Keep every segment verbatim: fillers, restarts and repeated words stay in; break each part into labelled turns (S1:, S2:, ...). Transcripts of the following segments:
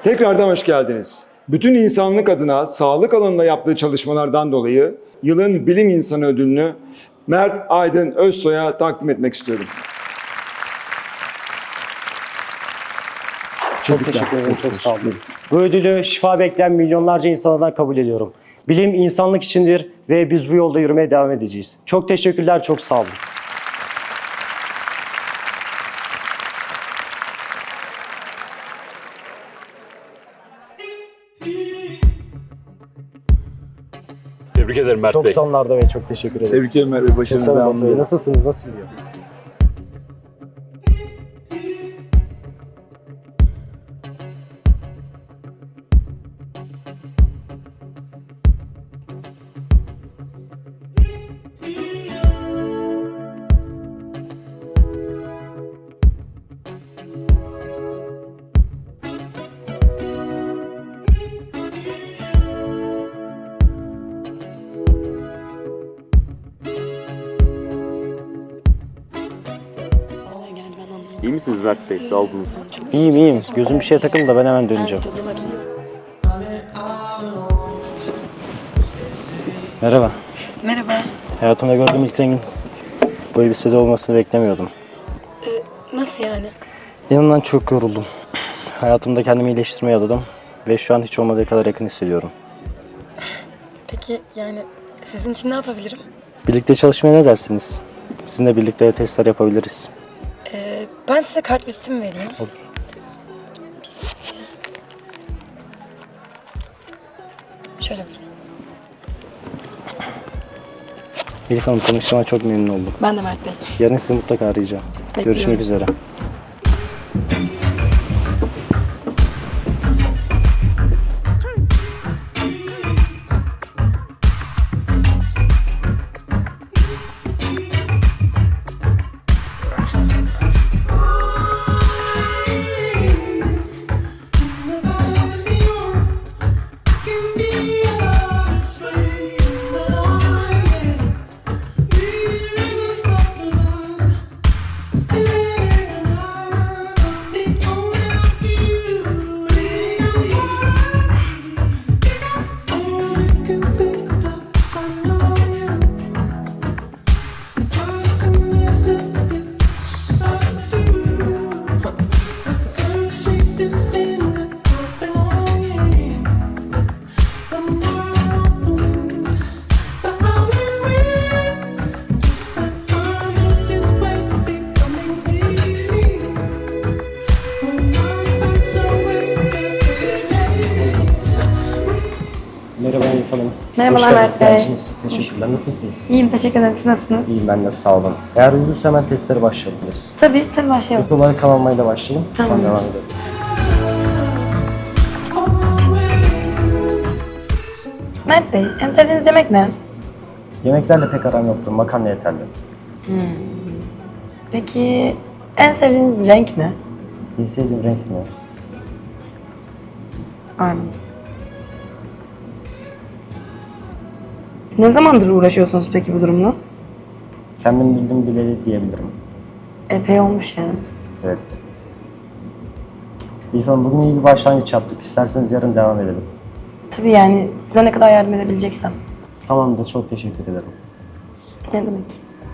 S1: Tekrardan hoş geldiniz. Bütün insanlık adına sağlık alanında yaptığı çalışmalardan dolayı yılın bilim insanı ödülünü Mert Aydın Özsoy'a takdim etmek istiyorum.
S2: Çok teşekkür ederim, çok sağ olun. Bu ödülü şifa bekleyen milyonlarca insandan kabul ediyorum. Bilim insanlık içindir ve biz bu yolda yürümeye devam edeceğiz. Çok teşekkürler, çok sağ olun.
S3: Tebrik ederim Mert
S2: Çok
S3: Bey.
S2: sağ olun Arda Bey, çok teşekkür ederim.
S4: Tebrik ederim Mert Bey,
S2: Çok
S4: başarınız
S2: sağ olun
S4: devamlı.
S2: Arda Bey. Nasılsınız, nasıl gidiyor?
S4: İyi misiniz Mert Bey? Sağ olun.
S2: İyiyim, iyiyim. Gözüm bir şeye takıldı da ben hemen döneceğim. Merhaba.
S5: Merhaba.
S2: Hayatımda gördüğüm ilk rengin bu elbisede olmasını beklemiyordum.
S5: Nasıl yani?
S2: İnanın çok yoruldum. Hayatımda kendimi iyileştirmeye adadım ve şu an hiç olmadığı kadar yakın hissediyorum.
S5: Peki yani sizin için ne yapabilirim?
S2: Birlikte çalışmaya ne dersiniz? Sizinle birlikte testler yapabiliriz.
S5: Ee, ben size kartvizitimi vereyim.
S2: Olur.
S5: Bir saniye. Şöyle bir.
S2: Elif Hanım, tanıştığıma çok memnun oldum.
S5: Ben de Mert Bey.
S2: Yarın sizi mutlaka arayacağım.
S5: Bekliyorum.
S2: Görüşmek üzere. Merhaba Elif Hanım.
S5: Merhabalar
S2: Hoş geldiniz.
S5: Mert Bey.
S2: Geldiğiniz için teşekkürler. Nasılsınız?
S5: İyiyim, teşekkür ederim. Siz nasılsınız?
S2: İyiyim, ben de sağ olun. Eğer uygunsa hemen testlere başlayabiliriz.
S5: Tabii, tabii başlayalım.
S2: İlk olarak kan almayla başlayalım. Sonra
S5: Tamam.
S2: devam ederiz.
S5: Mert Bey, en sevdiğiniz yemek ne?
S2: Yemeklerle pek aram yoktur. Makarna yeterli.
S5: Peki en sevdiğiniz renk ne?
S2: En sevdiğim renk ne?
S5: Aynen. Ne zamandır uğraşıyorsunuz peki bu durumla?
S2: Kendim bildim bileli diyebilirim.
S5: Epey olmuş yani.
S2: Evet. Elif Hanım, bugün iyi bir başlangıç yaptık. İsterseniz yarın devam edelim.
S5: Tabii yani size ne kadar yardım edebileceksem.
S2: Tamamdır, çok teşekkür ederim.
S5: Ne demek?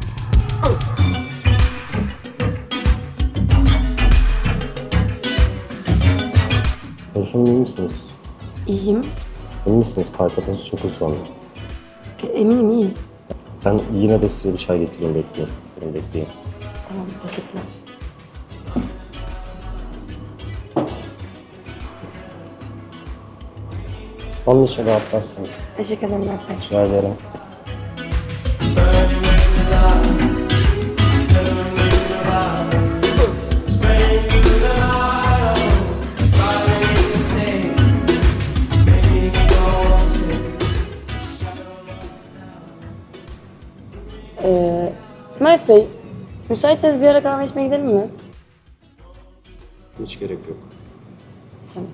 S2: Elif Hanım, iyi misiniz?
S5: İyiyim.
S2: Emin misiniz? Kalp atınız çok hızlandı.
S5: E, eminim iyiyim.
S2: Ben yine de size bir çay getireyim, bekleyin. Benim bekleyin.
S5: Tamam, teşekkürler.
S2: Onun için rahatlarsanız.
S5: Teşekkür ederim Mert Bey.
S2: Rica ederim.
S5: Ee, Mert Bey, müsaitseniz bir ara kahve içmeye gidelim mi?
S2: Hiç gerek yok.
S5: Tamam.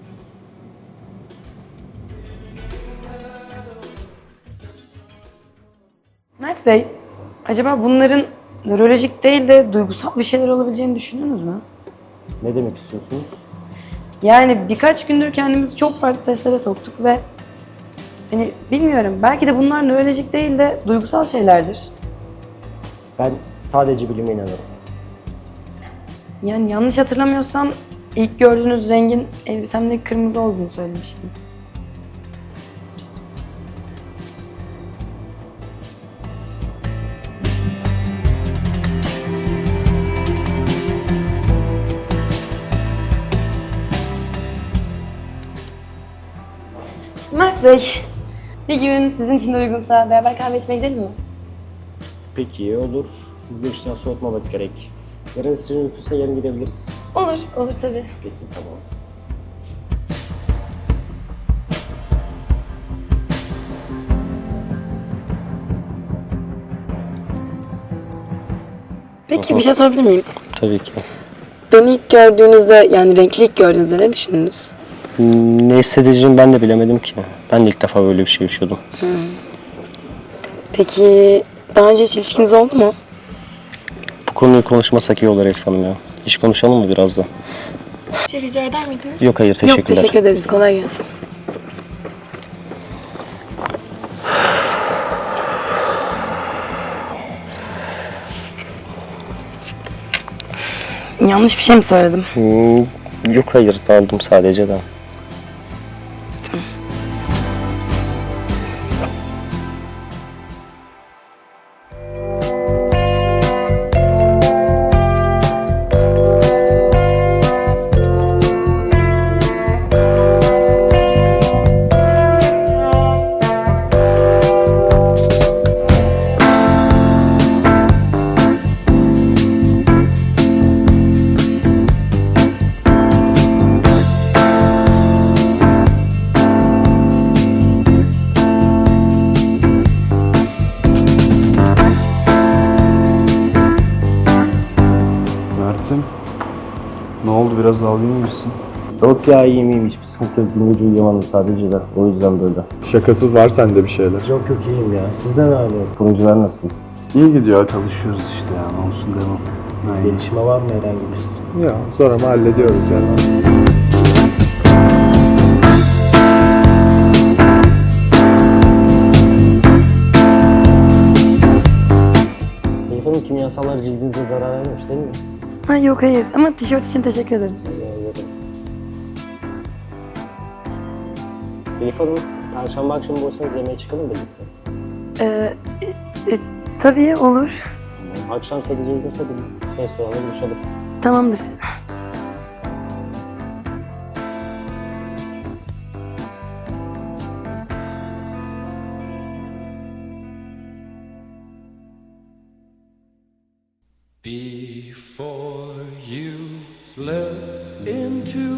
S5: Mert Bey, acaba bunların nörolojik değil de duygusal bir şeyler olabileceğini düşündünüz mü?
S2: Ne demek istiyorsunuz?
S5: Yani birkaç gündür kendimizi çok farklı testlere soktuk ve hani bilmiyorum, belki de bunlar nörolojik değil de duygusal şeylerdir.
S2: Ben sadece bilime inanıyorum.
S5: Yani yanlış hatırlamıyorsam ilk gördüğünüz rengin elbisemdeki kırmızı olduğunu söylemiştiniz. Mert Bey, bir gün sizin için de uygunsa beraber kahve içmeye gidelim mi?
S2: Peki olur. Siz de işten soğutmamak gerek. Yarın sizin uykusa yarın gidebiliriz.
S5: Olur, olur tabii.
S2: Peki tamam.
S5: Peki bir şey sorabilir miyim?
S2: Tabii ki.
S5: Beni ilk gördüğünüzde, yani renkli ilk gördüğünüzde ne düşündünüz?
S2: Ne hissedeceğimi ben de bilemedim ki. Ben de ilk defa böyle bir şey yaşıyordum.
S5: Peki daha önce hiç ilişkiniz oldu mu?
S2: Bu konuyu konuşmasak iyi olur Elif Hanım ya. Hiç konuşalım mı biraz da?
S6: Bir şey rica eder miydiniz?
S2: Yok hayır teşekkürler.
S5: Yok, teşekkür ederiz. Kolay gelsin. Yanlış bir şey mi söyledim?
S2: Hmm, yok hayır daldım sadece de.
S4: Mert'im, ne oldu, biraz dalgın mısın?
S2: Yok ya iyiyim iyiyim hiçbir sıkıntı yok. Dün gece uyuyamadım sadece de o yüzden böyle.
S4: Şakasız var sende bir şeyler.
S2: Yok yok iyiyim ya. Sizden ne haber? Sunucular nasıl?
S4: İyi gidiyor, çalışıyoruz işte ya, ne olsun devam. Aynen.
S2: Gelişme var mı herhangi bir?
S4: Ya sonra mı hallediyoruz yani.
S2: Elif Hanım kimyasallar cildinize zarar vermemiş değil mi?
S5: Ha, yok hayır, ama tişört için teşekkür ederim.
S2: Elif Hanım, Perşembe akşamı boşsanız yemeğe çıkalım da birlikte.
S5: Ee, e, tabii olur.
S2: Tamam. Akşam sadece uygunsa bir restoranda buluşalım.
S5: Tamamdır.
S7: Before you slip into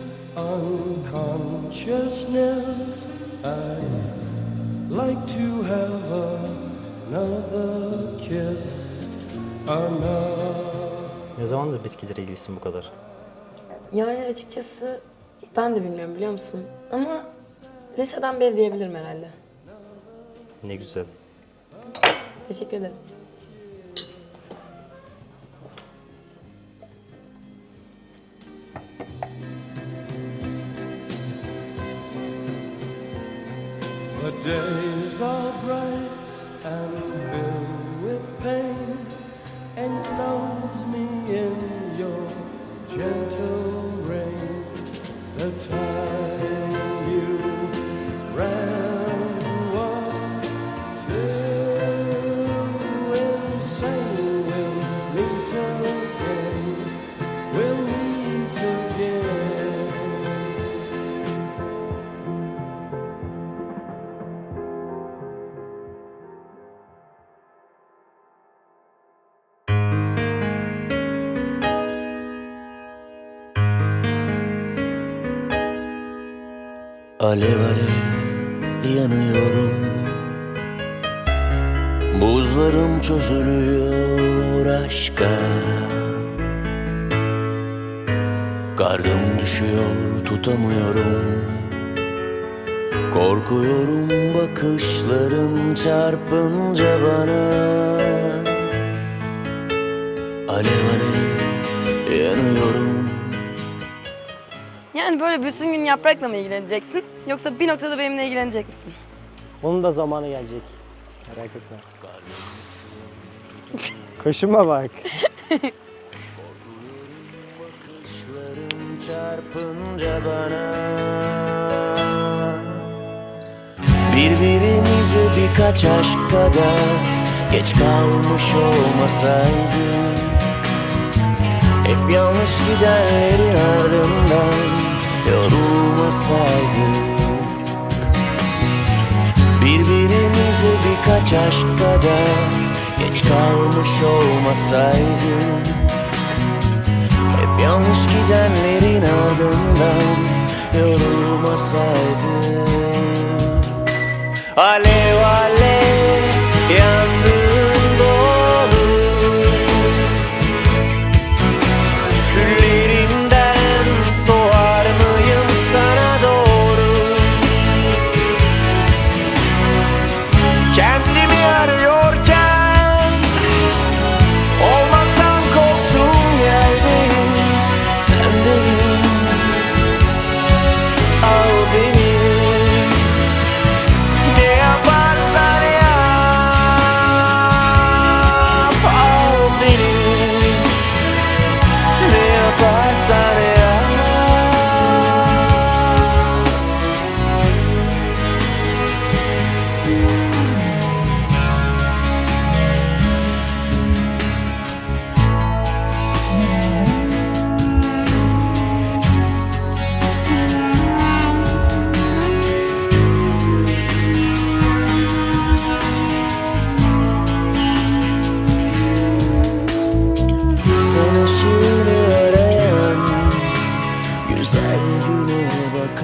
S7: unconsciousness, I'd like to have another kiss, another.
S2: Ne zamandır bitkilere ilgisin bu kadar?
S5: Yani açıkçası ben de bilmiyorum, biliyor musun? Ama liseden beri diyebilirim herhalde.
S2: Ne güzel.
S5: Teşekkür ederim.
S7: The days are bright and filled with pain. Enclose me in your gentle rain. The time you ran was too insane. We'll meet again. We'll meet again.
S8: Alev alev yanıyorum, buzlarım çözülüyor aşka. Kardım düşüyor, tutamıyorum. Korkuyorum bakışların çarpınca bana. Alev alev yanıyorum.
S5: Yani Yani böyle bütün gün yaprakla mı ilgileneceksin? Yoksa bir noktada benimle ilgilenecek misin?
S2: Onun da zamanı gelecek. Merak etme. Koşuma bak.
S8: Bakışların çarpınca bana birbirimize birkaç aşk kadar geç kalmış olmasaydık, hep yanlış gidenlerin ardından yorulmasaydık, birbirimize birkaç aşk kadar geç kalmış olmasaydık, hep yanlış gidenlerin ardından yorulmasaydık. Alev alev yandığın doğru, küllerinden doğar mıyım sana doğru? Kendimi arıyorken olmaktan korktuğum yerdeyim, sendeyim. Al beni, ne yaparsan yap. Al beni, ne yaparsan yap. Sen ışığını arayan güzel güne bak